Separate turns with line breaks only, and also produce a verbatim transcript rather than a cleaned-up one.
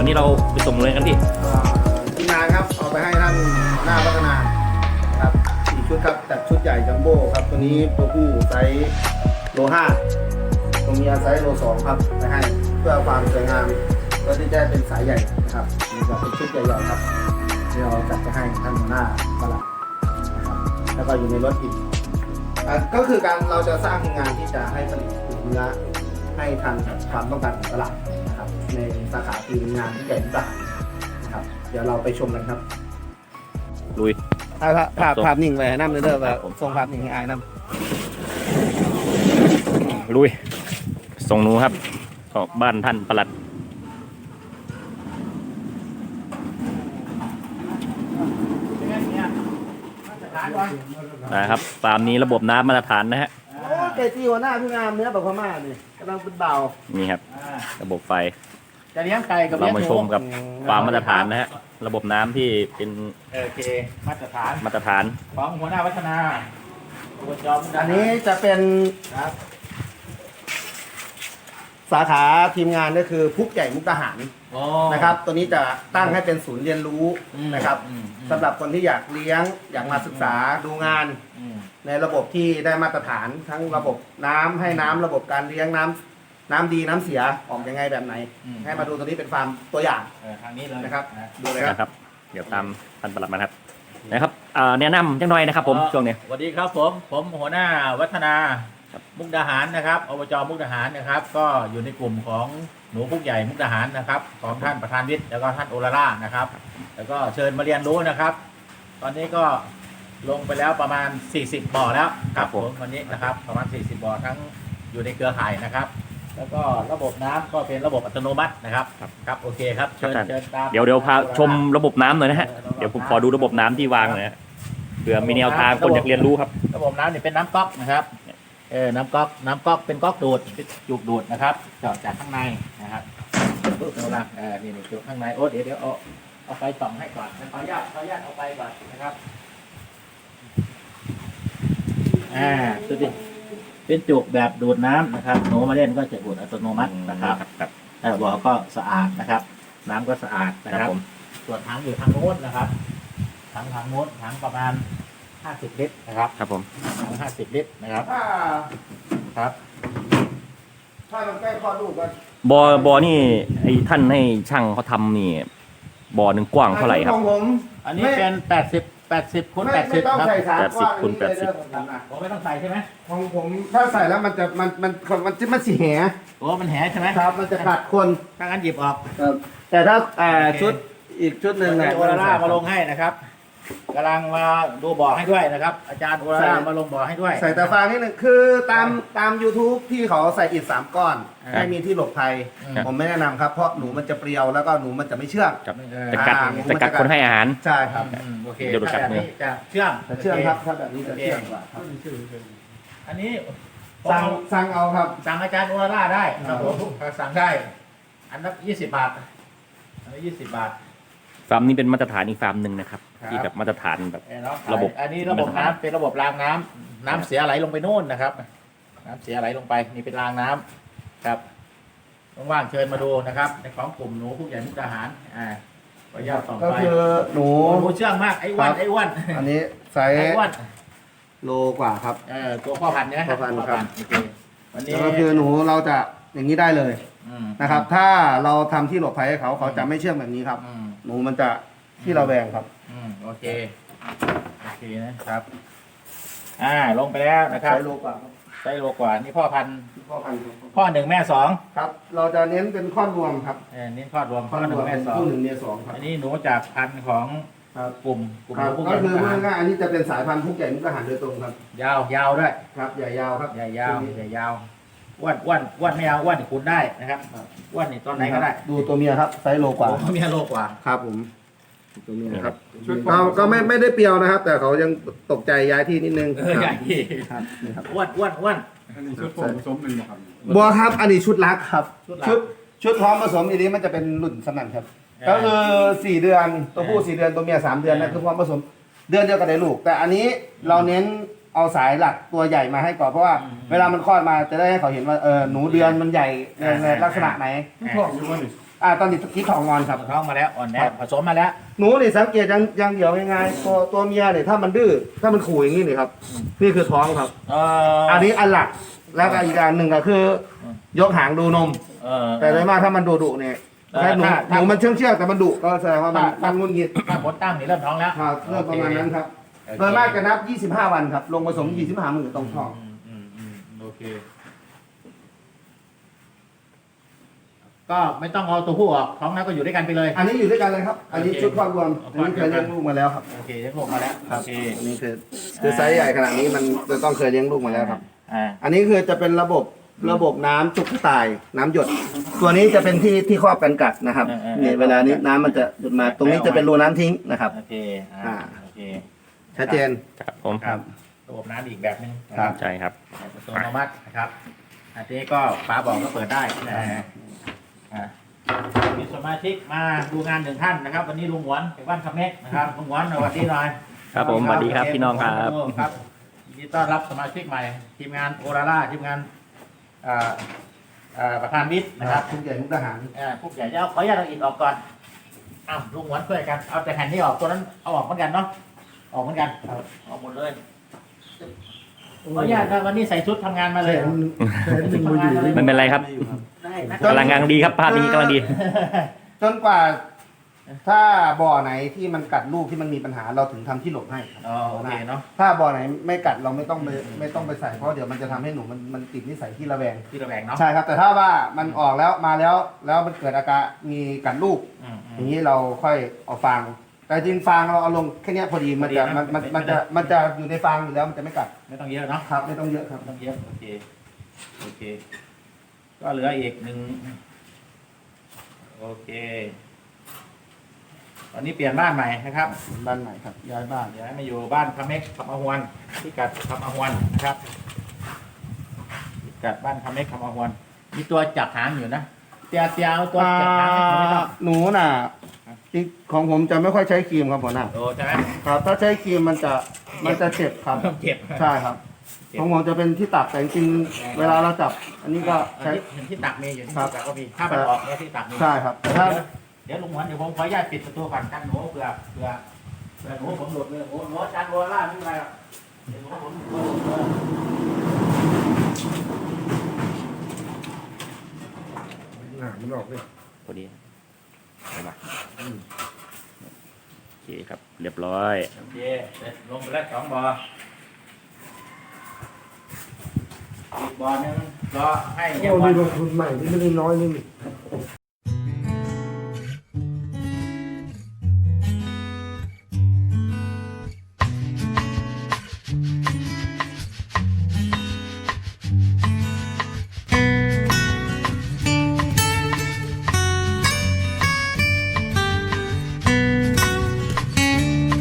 วันนี้เราไปส่งเลยกันพี่
ทีมงานครับเอาไปให้ท่านหน้าพัฒนาครับสี่ชุดครับจัดชุดใหญ่จัมโบ้ครับตัวนี้ตัวผู้ไซส์โลห้าตัวเมียไซส์โลสองครับไปให้เพื่อความสวยงามเพื่อที่จะเป็นสายใหญ่นะครับนี่ก็เป็นชุดใหญ่ๆครับที่เราจัดไปให้ท่านหัวหน้าตลาดนะครับแล้วก็อยู่ในรถอีกก็คือการเราจะสร้างงานที่จะให้ผลิตเนื้อให้ทันกับความต้องการของตลาดนะครับในสาขาคืองานที่ใหญ่ที่สุดนะครับเดี๋ยวเราไปชมกันครับ
ลุย
ภาพภาพภาพนิ่งไปน้ำเด้อแบบส่งภาพนิ่งให้อายน้
ำลุยส่งหนูครับก็บ้านท่านปลัดนะครับฟาร์มนี้ระบบน้ำมาตรฐานนะฮะ
โอ้เจจีหัวหน้าพี่งามเนื้อแบบพม่านี่กำลังเป็นเบา
นี่ครับระบบไฟ
จะเลี้ยงไก่กับ
เรามาชมกับฟาร์มมาตรฐานนะฮะระบบน้ำที่เป็น
โอเคมาตรฐาน
มาตรฐาน
ของหัวหน้าวัฒนา
อันนี้จะเป็นสาขาทีมงานก็คือพุกใหญ่มุกดาหารนะครับตัวนี้จะตั้งให้เป็นศูนย์เรียนรู้นะครับสำหรับคนที่อยากเลี้ยงอยากมาศึกษาดูงานในระบบที่ได้มาตรฐานทั้งระบบน้ำให้น้ำระบบการเลี้ยงน้ำน้ำดีน้ำเสียออกยังไงแบบไหนให้มาดูตัวนี้เป็นฟาร์มตัวอย่าง
ทางนี้เลย
นะครับ
ดูเลยครับเดี๋ยวตามท่านปลัดมาครับนะครับแนะนำจังหน่อยนะครับผมช่วงนี้
สวัสดีครับผมผมหัวหน้าวัฒนามุกดาหารนะครับอบจมุกดาหารนะครับก็อยู่ในกลุ่มของหนูพุกใหญ่มุกดาหารนะครับของท่านประธานวิทย์แล้วก็ท่านโอลาร่านะครับแล้วก็เชิญมาเรียนรู้นะครับ ตอนนี้ก็ลงไปแล้วประมาณสี่สิบบ่อแล้วครับผมวันนี้นะครับประมาณสี่สิบบ่อทั้งอยู่ในเครือข่ายนะครับแล้วก็ระบบน้ำก็เป็นระบบอัตโนมัตินะครับครับโอเคครับเชิญเชิญตาม
เดี๋ยวเดี๋ยวพาชมระบบน้ำหน่อยนะฮะเดี๋ยวผมขอดูระบบน้ำที่วางหน่อยเผื่อมีแนวทางคนอยากเรียนรู้ครับ
ระบบน้ำเนี่ยเป็นน้ำก๊อกนะครับเออน้ำก๊อกน้ำก๊อกเป็นก๊อกดูดจุกดูดนะครับเจาะจากข้างในนะครับเอาละเออนี่นี่จุกข้างในโอ้เดี๋ยวเดี๋ยวเอาเอาไฟส่องให้ก่อนขออนุญาตขออนุญาตเอาไปก่อนนะครับอ่าดูดิเป็นจุกแบบดูดน้ำนะครับหนูมาเล่นก็จะดูดอัตโนมัตินะครับแต่บ่อก็สะอาดนะครับน้ำก็สะอาดนะครับส่วนถังอยู่ทางโน้นนะครับถังทางโน้นถังประมาณห้าสิบลิตรนะครับ
ครับผม
ถังห้าสิบลิตรนะครับ
ถ้า
ครับ
ถ้ามันใกล้คลอดลูกก็
บ่อบ่อนี่ไอ้ท่านให้ช่างเขาทำนี่บ่อหนึ่งกว้างเท่าไหร่ครับ
อันนี้เป็นแปดสิบแปดสิบคูณแปดสิบครับ
แปดสิบคูณแปดสิบ
ผมไม่ต้องใส่ใช่ไหม
ของผมถ้าใส่แล้วมันจะมันมันมันจะมันสีแห
โอ้มันแหใช่ไหม
ครับมันจะขัดคน
ถ้างั้นหยิบออก
แต่ถ้าชุดอีกชุดหนึ่ง
เนี่ยโอลาร่ามาลงให้นะครับกำลังมาดูบ่อให้ด้วยนะครับอาจารย์โอลาร่ามาลงบ่อให้ด้วย
ใส่แต่ฟางนิดนึงคือตามตาม ยูทูบ ที่เขาใส่อิฐสามก้อนให้มีที่หลบภัยผมไม่แนะนำครับเพราะหนูมันจะเปรียวแล้วก็หนูมันจะไม่เชื่อง
จะกัดจะกัดคนให้อาหาร
ใช่ครับ
โอเคเดี๋ยวดูกัดมือจะเชื่อง
จะเชื่องครับถ้าแบบนี้จะเชื่องกว่าครับ
อันนี้
สั่งสั่งเอาครับ
สั่งอาจารย์โอลาร่าได้ครับผมสั่งได้อันละยี่สิบบาทอันละยี่สิบบาท
ฟาร์มนี้เป็นมาตรฐานอีกฟาร์มหนึ่งนะครับที่แบบมาตรฐานแบบระบบ
อันนี้ระบบน้ำเป็นระบบรางน้ำน้ำเสียไหลลงไปโน่นนะครับน้ำเสียไหลลงไปนี่เป็นรางน้ำครับว่างๆเชิญมาดูนะครับในของกลุ่มหนูผู้ใหญ่มุกดาหารอ่าขออนุญาตต่อไป
ก็คือหนู
หนูเชื่องมากไอ้อ้วนไอ้อ้วน
อันนี้ไซส์โลกว่าครับ
เออตัวพ่อพันธุ์เนี่ย
พ่อพันธุ์ครับ
วันนี้
ก็คือหนูเราจะอย่างนี้ได้เลยนะครับถ้าเราทำที่หลบภัยให้เขาเขาจะไม่เชื่องแบบนี้ครับหนูมันจะที่เราแบ่งครับ
อืมโอเคโอเคนะครับอ่าลงไปแล้วนะครับ
ใช้โลกว่า
ใช้โลกว่านี่พ่อพันธุ์
พ่อพันธุ์
พ่อหนึ่งแม่สอง
ครับเราจะเน้นเป็นข้อรวมครับ
เออเน้นข้อรวม
ข้อหนึ่งแม่สองคู่หนึ่งแม่สองครับ
อันนี้หนูจากพันธุ์ของกลุ่มกลุ่ม
ก็คือเมื่อง่ายอันนี้จะเป็นสายพันธุ์พุกใหญ่มุกดาหารโดยตรงครับ
ยาวยาวด้วย
ครับใหญ่ยาวครับ
ใหญ่ยาวใหญ่ยาวอ้วนอ้วนอ้วนไม่เอาอ้วนคุณได้นะครับอ้วนนี่ตอนไหนก็ได้
ดูตัวเมียครับไซส์โลกว่า
ตัวเมียโลกว่า
ครับผมตัวเมียครับเราก็ไม่ไม่ได้เปรียวนะครับแต่เขายังตกใจย้ายที่นิดนึง
ย้ายที่ครับอ้วนอ้วนอ้วน
อันนี้ชุดผสมหนึ่งครับ
บัวครับอันนี้ชุดลักครับชุดชุดพร้อมผสมอีนี้มันจะเป็นรุ่นสนั่นครับก็คือสี่เดือนตัวผู้สี่เดือนตัวเมียสามเดือนนั่นคือพร้อมผสมเดือนเดียวกันได้ลูกแต่อันนี้เราเน้นเอาสายหลักตัวใหญ่มาให้ก่อนเพราะว่าเวลามันคลอดมาจะได้ให้เขาเห็นว่าเออหนูเดือนมันใหญ่ในลักษณะไหน
พ่ออยู่ว่านี่
อ่าตอนนี้คิดทองงอนครับ
ท้องมาแล้วอ่อนแอ
ครับ
ผสมมาแล้ว
หนูนี่สังเกตอยังอยังเดียวง่ายๆตัวตัวเมียเนี่ยถ้ามันดื้อถ้ามันขู่อย่างนี้นี่ครับ นี่คือท้องครับ
เออ
อันนี้อันหลักแล้วก็อีกอันหนึ่งก็คือ ยกหางดูนม
เออ
แต่โดยมากถ้ามันดุดุๆเนี่ย
เออ
ถ้าหนู
ถ้า
หนูมันเชื่องเชื่องๆแต่มันดุก็แสดงว่ามัน
ถ้า
มันงุนงิด
ถ้าผลตั้งนี่เริ่มท้องแล้ว
ครับเรื่องประมาณนั้นครับ
โอเค
โดยมากจะนับ ยี่สิบห้า วันครับ ลงผสม ยี่สิบห้า มื้อตรงท้อง
อืมอืมอืมโอเค ก็ไม่ต้องเอาตัวผู้ออกท้องนั้นก็อยู่ด้วยกันไปเลย
อันนี้อยู่ด้วยกันเลยครับ อันนี้
โอเค
ชุดความรวม
เอา
อันนี้เคยเลี้ยงลูกมาแล้วครับ
โอเคได้พวกมาแล้ว
ครับ
โอเค
อันนี้คือคือไซส์ใหญ่ขนาดนี้มันจะต้องเคยเลี้ยงลูกมาแล้วครับ
อ่า
อันนี้คือจะเป็นระบบระบบน้ำจุกกระต่ายน้ำหยด ตัวนี้จะเป็นที่ที่ครอบกันกัดนะครับเนี่ยเวลานี้น้ำมันจะหยดมาตรงนี้จะเป็นรูน้ำทิ้งนะครับ
โอเคอ่า
อ่า
โอเค
ชัดเจน
ครับผม
ครับระบบน้ำอีกแบบหนึง
ครับ
ใช่ครับ
อัตโนมัตินะครับ อันนี้ก็ฝาบอกก็เปิดได้นะอ่ามีสมาชิกมาดูงานหนึ่งท่านนะครับ วันนี้ลุงหวนจากบ้านคำเม็กนะครับลุงหวนสวัสดีหน่อย
ครับผมสวัสดีครับพี่น้องครับ
ครับยินดีต้อนรับสมาชิกใหม่ ทีมงานโอราล่าทีมงานอ่าอ่าประธานวิทย์
นะ
นะ
ค
ค
รั
รั
บบ ทุกอย่างมุกทหาร
อ่าพวกใหญ่จะเอาขออนุญาตเอาอิฐออกก่อนอ้าวลุงหวนช่วยกันเอาแต่แผ่นนี้ออกตัวนั้นเอาออกเหมือนกันเนาะออกเหมือนกันออกหมดเลยขออนุญาตนะวันนี้ใส่ชุดทำงานมาเลย
ไม่เป็นไรครับ
ได้นะ
กำลังกำลังดีครับภาพนี้กำลังดี
จนกว่า ถ้าบ่อไหนที่มันกัดลูกที่มันมีปัญหาเราถึงทำที่หลบให้ครับ
อ๋อโอเคเนาะ
ถ้าบ่อไหนไม่กัดเราไม่ต้องไปไม่ต้องไปใส่เพราะเดี๋ยวมันจะทำให้หนูมันมันติดนิสัยที่ระแวง
ที่ระแวงเนาะ
ใช่ครับ แต่ถ้าว่ามันออกแล้วมาแล้วแล้วมันเกิดอาการมีกัดลูก
อืมอืม
อย่างนี้เราค่อยเอาฟาง แต่จริงฟางเราเอาลงแค่เนี้ยพอดีมันจะ
พอดีนะ
มันมัน
ไม่
มันจะ
ไม่
มันจะอยู่ในฟางอยู่แล้วมันจะไม่กัด
ไม่ต้องเยอะเนาะ
ครับไม่ต้องเยอะครับ
ไม่ต้องเยอะโอเคโอเค ก็เหลืออีกหนึ่งโอเคตอนนี้เปลี่ยนบ้านใหม่นะครับ
บ้านใหม่ครับย้ายบ้าน
ย้ายมาอยู่บ้านคำเม็กคำอาหวนที่กัดคำอาหวนนะครับพิกัดบ้านคำเม็กคำอาหวนมีตัวจับหางอยู่นะเตียเตียเอาตัวจับหางให้ผมไม่ต้อง
หนูน่ะจริงของผมจะไม่ค่อยใช้ครีมครับหัวหน้า
โอ้ใช่ไหม
ครับ ถ้าใช้ครีมมันจะมันจะเจ็บครับ
เจ็บ
ใช่ครับของผมจะเป็นที่ตักแต่จริงๆเวลาเราจับ อันนี้ก็
เห็
ใช้
นที่เห็นที่ตักมีอยู่ที่
ครับ
ตักก็มีถ้ามันออกเนี่ยที่ตักมี
ใช่ครับแต่ถ้า
เดี๋ยวลุงหวนเดี๋ยวผมขออนุญาตปิดประตูก่อนกันหนูเผื่อเผื่อเผื่อหนูผมหลุดเลยหนูหนูอาจารย์โรล่าไม่เป็นไรหรอกเดี๋ยวหนูผมหลุดเลย
หนามันออกเลย
พอดีไปมาโอเคครับ เรียบร้อย
โอเคเสร็จลงไปแล้วสองบ่ออีกบ่อหนึงรอให้เยี่ยม
โอ้
วั
นี่
น
ลงทุนใหม่ที่ไม่ได้น้อยนี่